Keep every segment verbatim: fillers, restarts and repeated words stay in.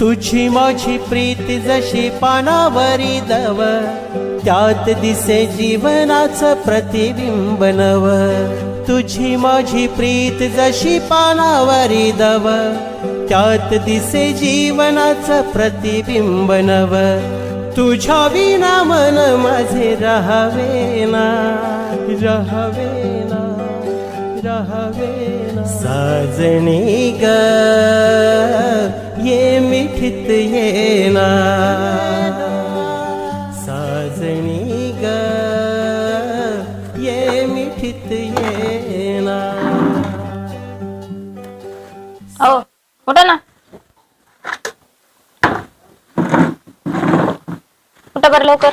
तुझी माझी प्रीत जशी पानावरी दव, त्यात दिसे जीवनाचं प्रतिबिंब नव. तुझी माझी प्रीत जशी पानावरी दव, त्यात दिसे जीवनाचं प्रतिबिंब नव. तुझ्या विना मन माझे रहावेना रहावेना रहावेना. साजणी ग ये मिठीत येना, साजणी ग ये मिठीत येना. ओ उठा ना, उठा बरं लवकर.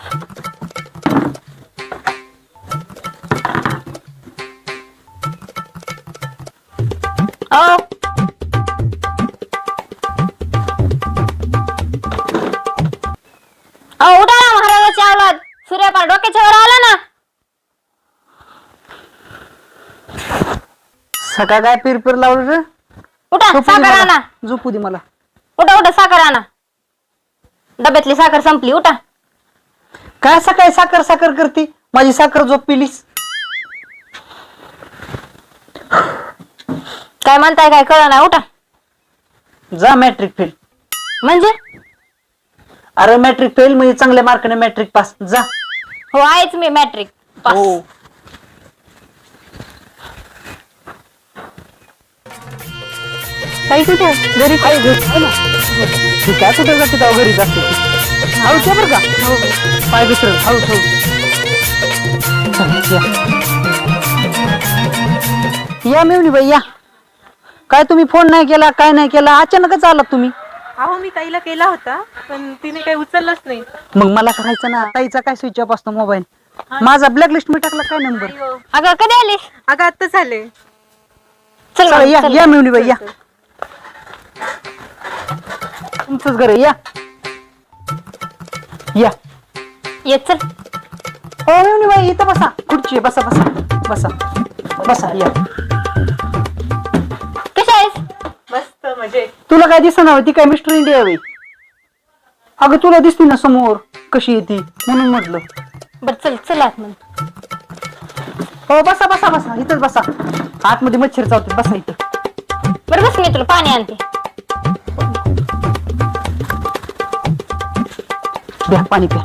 ओ ओ उठा ना महाराजाची अवलाद, सूर्यपार डोक्याच्या वर आला ना. सकाळ काय पिर पिर लावलं रे. उठा साखर आणा, झोपू दे मला. उठा उठा साखर आणा, डब्यातली साखर संपली. उठा. काय सकाळी साखर साखर करते, माझी साखर झोप पिलीस. काय म्हणताय काय कळ नाही. उठा. जा मॅट्रिक फेल. म्हणजे अरे मॅट्रिक फेल म्हणजे चांगल्या मार्काने मॅट्रिक पास. जा. हो आहेच मी मॅट्रिक पास. हो. काही कुठे घरी काय घरी काय कुठे जाते तेव्हा घरीच असते. हळू ठेव बरं का. पाय दुसरं हळू ठेव. या मेवणी बाई या. काय तुम्ही फोन नाही केला काय नाही केला, अचानकच आलात तुम्ही. अहो मी ताईला केला होता पण तिने काही उचललंच नाही. मग मला करायचं ना. ताईचा काय स्विच ऑफ असतो मोबाईल. माझा ब्लॅक लिस्ट मी टाकला काय नंबर. अगं कधी आलीस. अगं आत्ता झाले. चल चला या चल. या मेवणी बाई या. तुमचंच घर आहे, या या. ये चल. हो मेवणी बाई इथं बसा, खुर्ची आहे, बसा बसा बसा बसा या. कशी आहेस. मस्त म्हणजे तुला काय दिसना होती काय मिस्टर इंडिया बाई. अगं तुला दिसती ना समोर कशी येते म्हणून म्हटलं. बर चल चल आतमध्ये. हो बसा बसा बसा इथंच बसा. आतमध्ये मच्छर चावते, बसा इथं. बरं बस मी तुला पाणी आणते. द्या पाणी प्या.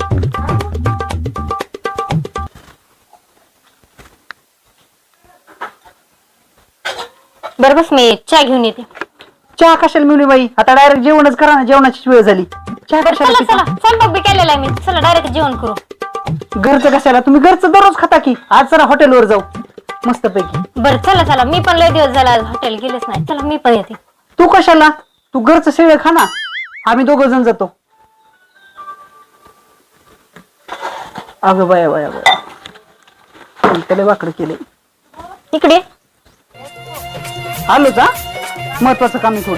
बरं बस मी चहा घेऊन येते. चहा कशाला मिळून बाई, आता डायरेक्ट जेवणच करा ना, जेवणाची वेळ झाली. चहा बरं कशाला चला चला, पिता? स्वयंपाक बी केलेला आहे मी. चला डायरेक्ट जेवण करू. घरचं कशाला, तुम्ही घरचं दररोज खाता की. आज जरा हॉटेलवर जाऊ मस्त पैकी. बरं चला चला, मी पण लय दिवस झाला हॉटेल गेलेच नाही. चला मी पण येते. तू कशाला, तू घरचं शेळ खा ना, आम्ही दोघ जण जातो. अगं बाया बाया बाया, त्याला वाकडं केले. इकडे आलो का, महत्वाचं काम आहे थोडं.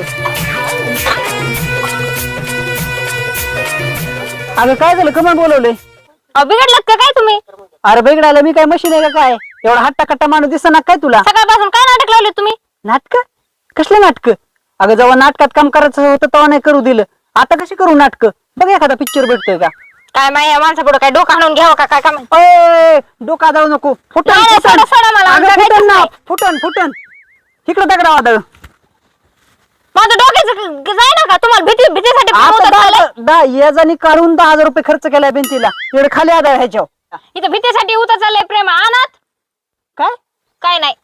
अगं काय झालं, कमन बोलवलंय. बिघडलात का काय तुम्ही. अरे बिघडायला मी काय मशीन आहे का काय, एवढा हट्टा कट्टा माणूस दिसना काय तुला. सकाळपासून काय नाटक लावले तुम्ही. नाटक कसले नाटक. अगं जेव्हा नाटकात काम करायचं होतं तेव्हा नाही करू दिलं, आता कशी करू नाटक. बघ एखादा पिक्चर भेटतोय का. काय माहिती माणसापुढे काय डोकं आणून घ्यावं का काय काम. ओय डोका जाऊ नको. फुटन नाही, नाही, फुटन. सोडा, सोडा मला, अगं, आमच्या फुटन काहीच ना, नाही. फुटन फुटन. इकडं दगडा वादळ. माझं डोक्याचं जाय ना का तुम्हाला भीती भीतीसाठी आता प्रमोद दहा- चाललंय? दहा याजानी काढून दहा हजार रुपये खर्च केलाय भिंतीला. इकडे खाली आदळ ह्याच्यावर. इथं भीतीसाठी उतर चाललंय प्रेम अनाथ. काय काय नाही.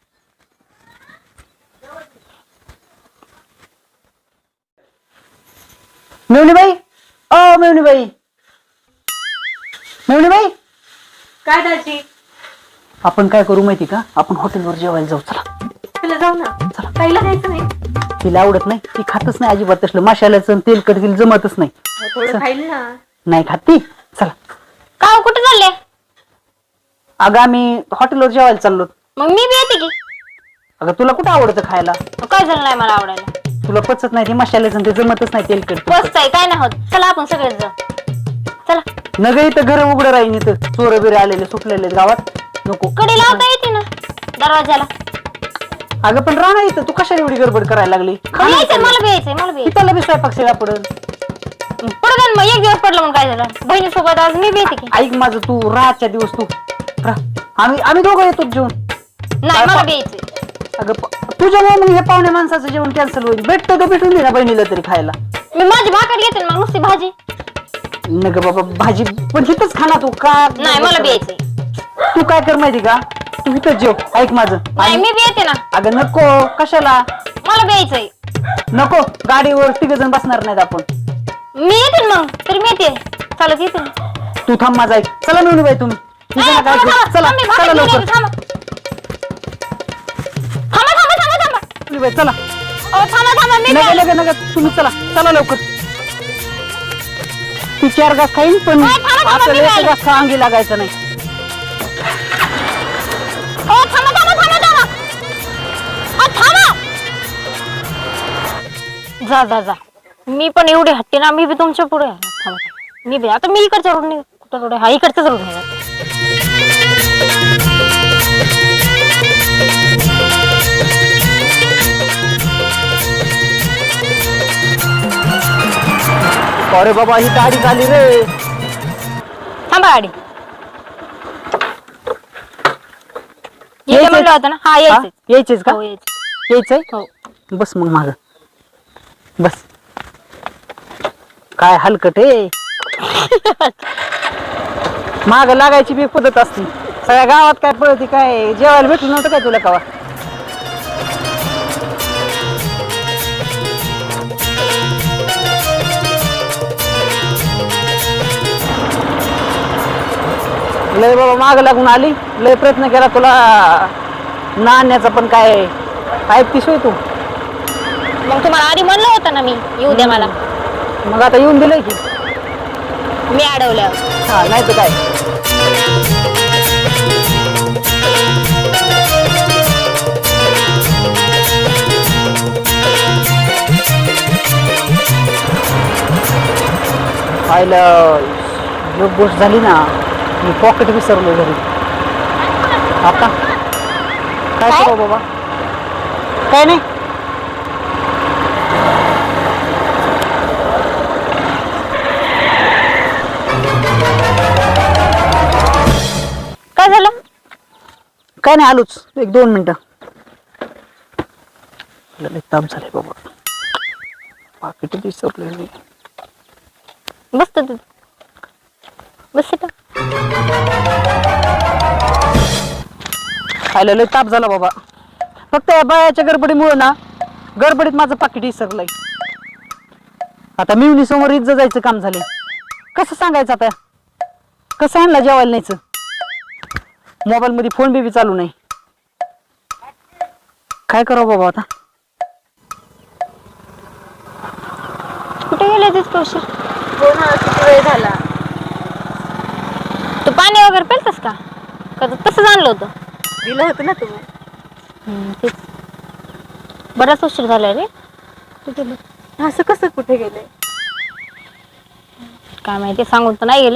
मेवणीबाई, ओ मेवणीबाई, मेवणीबाई. काय दाजी, आपण काय करू माहिती का, आपण हॉटेलवर जेवायला जाऊ. चला तुला जाऊ ना. चला. ताईला जायचं नाही. तिला आवडत नाही, ती खातच नाही अजिबात तसलं. मशाल्याचं तेलकट तिला जमतच नाही. थोडं खाईल ना. नाही खात ती. चला. का हो, कुठे चालले. अगं आम्ही हॉटेलवर जेवायला चाललो. मग मी बी येते की. अगं तुला कुठं आवडतं खायला. काय झालं नाही मला आवडायला. तुला पचत नाही, ते मशाल्याचं ते जमतच नाही तेलकट. मस्त आहे काय नाही होत. चला आपण सगळेच जाऊ. चला. नग इथं घर उघडं राहीन, इथं चोर बिरे आलेले सुटलेले गावात. नको कडी लावता येते ना दरवाजाला. अगं पण राणा इथं तू कशाला एवढी गडबड करायला लागली? खा ना यायचंय इथं. मला बी यायचंय मला बी यायचंय. तिथं लगेच स्वयंपाक शिळा पडल. पडू दे ना मग, एक दिवस पडलं म्हणून काय झालं? बहिणीसोबत आज मी बी येते की. ऐक माझं, तू राहच्या दिवस तू राह. आम्ही आम्ही दोघं येतो जेवण. नाही मला बी यायचंय. अगं प- तुझ्यामुळे मग हे पाहुण्या माणसाचं जेवण कॅन्सल होईल. भेटतो ते भेटून दे ना बहिणीला तरी खायला. मी माझी भाकर घेते ना, मग नुसती भाजी. नग बाबा भाजी पण हिथंच खा ना तू का? नाही मला बी यायचंय. तू काय कर माहिती का, तू इथंच जेव. ऐक माझं. नाही मी बी येते ना, अगं नको, कशाला मला बी यायचंय. नको, गाडीवर तिघ जण बसणार नाहीत आपण. मी येते ना मग, तरी मी येते चालत येते ना. तू थांब माझा ऐक. चला मिळून बाई तुम्ही नाही, इथं नका थांबा, ऐकू. थांबा, चला थांबा, मी भाकर चला घेऊन लवकर. येते, थांबा. थांबा थांबा थांबा थांबा. मिळून बाई, चला. अहो, थांबा थांबा मी नका बी- नका नका तुम्ही चला चला लवकर. तू चार घास खाईन पण नाही, थांबा, थांबा, आपल्याला मी एक खाईन. घास खा, अंगी लागायचं नाही. अहो, थांबा थांबा थांबा थांबा. अहो, थांबा. जा जा जा, मी पण एवढी हट्टी ना, मी बी तुमच्या पुढे आहे. थांबा थांबा. मी बी आता मी इकडच्या रोडने कुठं रोड आहे? हा इकडच्याच रोड आहे. अरे बाबा ही गाडी झाली रे. थांबा गाडी. येते म्हणलं होतं ना. हा हा? यायचंय. यायचेच का? हो यायचंय. यायचंय हो. बस मग माग बस. काय हलकट आहे. माग लागायची बी पद्धत असती. सगळ्या गावात काय पळती काय? जेवायला भेटलं नव्हतं काय तुला कवा? लय बाबा माग लागून आली. लय प्रयत्न केला तुला नाण्याचा, पण काय ऐकतीस होय तू? मग तुम्हाला आधी म्हणलं होतं ना मी येऊ द्या मला. मग आता येऊन दिलंय की. मी अडवल्यावर. हा नाही तर काय. पाहिलं एक गोष्ट झाली ना, मी पॉकेट विसरलो घरी. आता काय काय? करू बाबा? काय नाही. काय झालं? काय नाही, आलोच एक दोन मिनिटं. लय ताप झाले बाबा. पाकिट विसरले. बसतो तू. बस इथं. खायला लय ताप झाला बाबा. फक्त या बायाच्या गडबडीमुळे ना, गडबडीत माझं पाकिट विसरलंय. आता मिवनी समोर इज्जत जायचं काम झाले. कसं सांगायचं आता? कसं आणला जेवायला न्यायचं? मोबाईल मध्ये फोन बी चालू नाही. काय करावं बाबा आता? कुठे गेले तितकं उशीर? हो ना, किती वेळ झाला. तू पाणी वगैरे पेलतस का? का तू तसंच आणलं होतं? दिलं होतं ना तुम्ही. हम्म, तेच. बराच उशीर झाला रे. तू गेली. असं कसं कुठे गेले? काय माहिती, सांगून तर नाही गेले.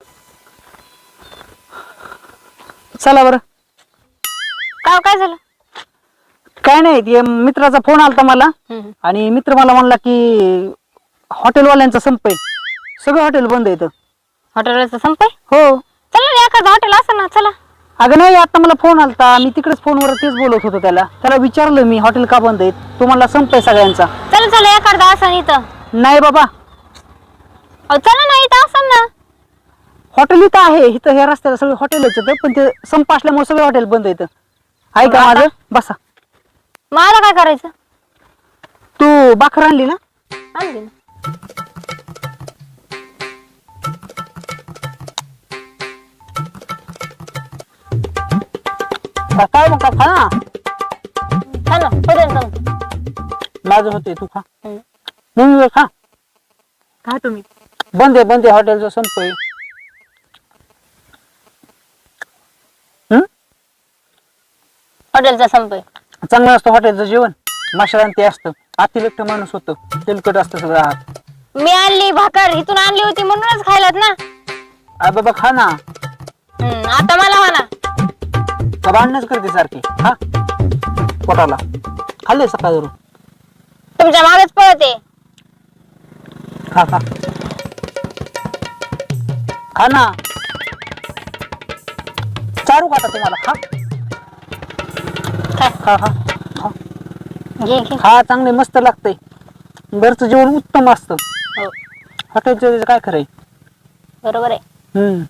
चला बरं. काय काय झालं? काय नाही, ते मित्राचा फोन आलता मला. हम्म. आणि मित्र मला म्हणला की हॉटेलवाल्यांचा संप आहे, सगळं हॉटेल बंद येतं. हॉटेलचं संपय? हो. चला ना, एखादं हॉटेल असं ना. चला. अगं नाही, आता मला फोन आलता, मी तिकडेच फोनवर तेच बोलत होतो. त्याला त्याला विचारलं मी, हॉटेल का बंद आहेत? तो म्हणला संप आहे सगळ्यांचा. चला चला, एखादा असं इथं. नाही बाबा, अहो, चला ना, इथं असं ना. हॉटेल इथं आहे. इथं ह्या रस्त्याला सगळे हॉटेलच येतं, पण ते संप असल्यामुळे सगळे हॉटेल बंद येतं. ऐका माझं, बसा. मला काय करायचं? तू भाकर आणली ना? आणली ना. का- काय मग का खा ना. खा ना, पडेल का मग? माझं होते, तू खा. हम्म. मग खा. का तुम्ही? बंद आहे, बंद आहे, हॉटेलचा संप आहे. हम्म? हॉटेलचा संपय. चांगलं असतं हॉटेलचं जेवण. मशाला ते असतं, अतिरिक्त माणूस होतं, तेलकट असतं सगळं आत. मी आणली भाकर, इथून आणली होती म्हणूनच खायलात ना. आ बाबा खा ना. हम्म, आता मला म्हणा. का भांडणच करते सारखी? हा, पोटाला. खाल्ले सकाळ धरून. तुमच्या मागेच पळते. खा खा खा ना. चारू का आता तुम्हाला? खा काय? खा खा खा घे घे. खा. चांगले मस्त लागतंय. घरचं जेवण उत्तम असतं. हो हॉटेलचं काय खरंय. बरोबर आहे. हम्म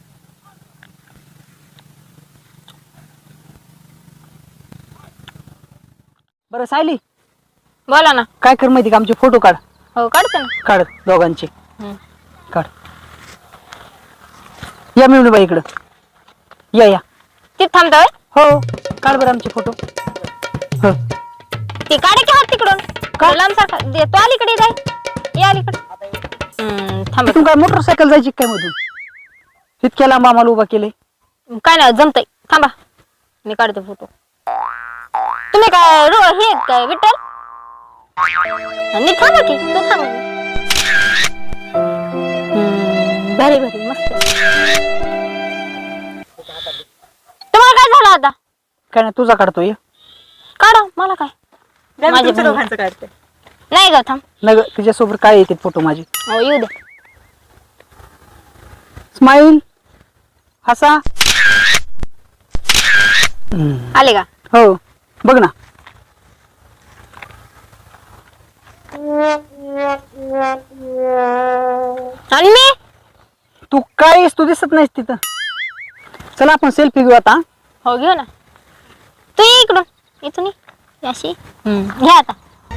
बरं सायली, बोला ना. काय कर माहिती का, आमचे फोटो काढ. हो काढते ना. काढ दोघांचे. हम्म. काढ. या मिळून बाई इकडं. या या. ती थांबतोय. हो काढ बरं आमचे फोटो. हो ती काढे की हात तिकडून. का? लांब सारखा दे तो अलीकडे जाय. या अलीकडे. हम्म, थांब. इथून काय मोटरसायकल जायची काय मधून? इतक्या लांब आम्हाला उभा केले. काय नाही जमतय. थांबा मी काढते फोटो. तुम्ही काय रो हे आहेत काय विठ्ठल? आणि थांबा की तू थांब. हम्म, भारी भारी मस्त. तुम्हाला काय झालं आता? काय नाही तुझा काढतोय. काढा मला काय. द्या मी माझे तुमच्या बहीण. दोघांचं काढते. नाही ग थांब. नग तिच्यासोबत काय येते फोटो माझे. हो येऊ दे. स्माईल. हसा. आले का? हो बघ ना. आणि मी तू काय तू दिसत नाहीस तिथं. चला आपण सेल्फी घेऊ आता. हो घेऊ ना. तू ये इकडून. इथून ये. अशी घ्या आता.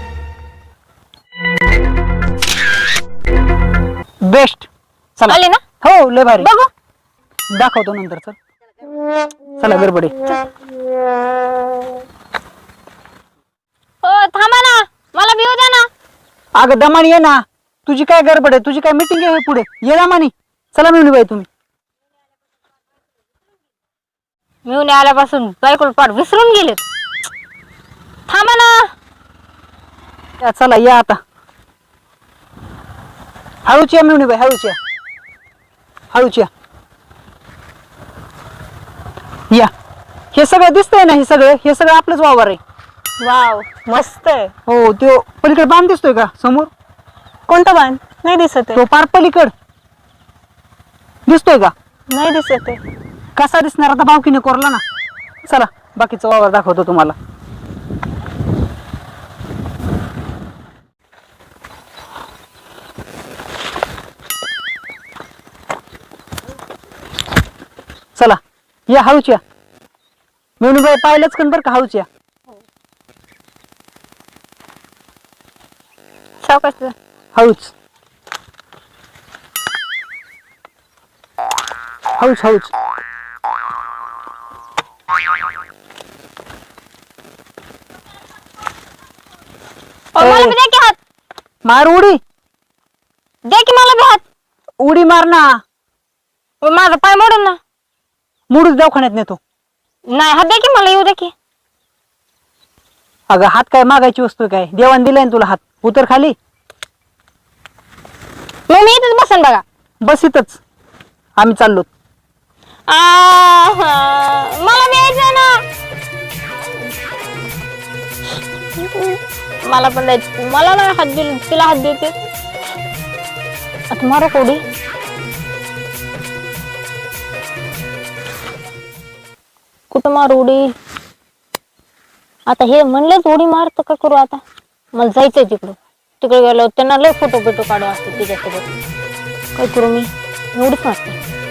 बेस्ट. चला. आले ना. हो लय भारी. बघू. दाखवतो नंतर. चल चला गडबडे. हो थांबा ना. मला भिऊ द्या ना. अगं दमानी ये ना. तुझी काय गडबड आहे? तुझी काय मीटिंग आहे पुढे? ये दमानी. चला मिळून बाई तुम्ही. मिळून आल्यापासून बायकोल पाठ विसरून गेले. थांबा ना. या चला या आता. हळूच या मिळून बाई. हळूच या. हळूच या. या. हे सगळं दिसतंय ना. हे सगळं हे सगळं आपलंच वावर आहे. वाव मस्त आहे. हो तो पलीकडे बांध दिसतोय का समोर? कोणता बाण? नाही दिसत आहे. तो पार पलीकड दिसतोय का? नाही दिसत आहे. कसा दिसणार आता? भावकीने कोरला ना. चला बाकीचा वावर दाखवतो तुम्हाला. चला या हळूच या. मेनूबाई पाहिलंच कन बरं का. हळूच या. सावकाश. हळूच हळूच हळूच. मला बी द्या की हात. मार उडी. द्या की मला बी हात. उडी मार ना. ओ, माझा पाय मोडून ना. मुडूच दवाखान्यात नेतो. नाही हात द्या की मला. येऊ द्या की. अगं हात काय मागायची वस्तू काय? देवान दिलाय ना तुला हात. उतर खाली. मग मी इथेच बसन बघा. बस इथंच. आम्ही चाललो. आहा, मला द्यायचं ना. मला पण द्यायचं. मला नाही हात दिल. तिला हात देते. आता मारो कोडी. कुठं मारू उडी? आता हे म्हणलेच उडी मारत का करू आता? मला जायचंय तिकडं. तिकडे गेलो त्यांना लय फोटो बिटो काढू असते तिच्यासोबत. काय करू मी? एवढीच मारते.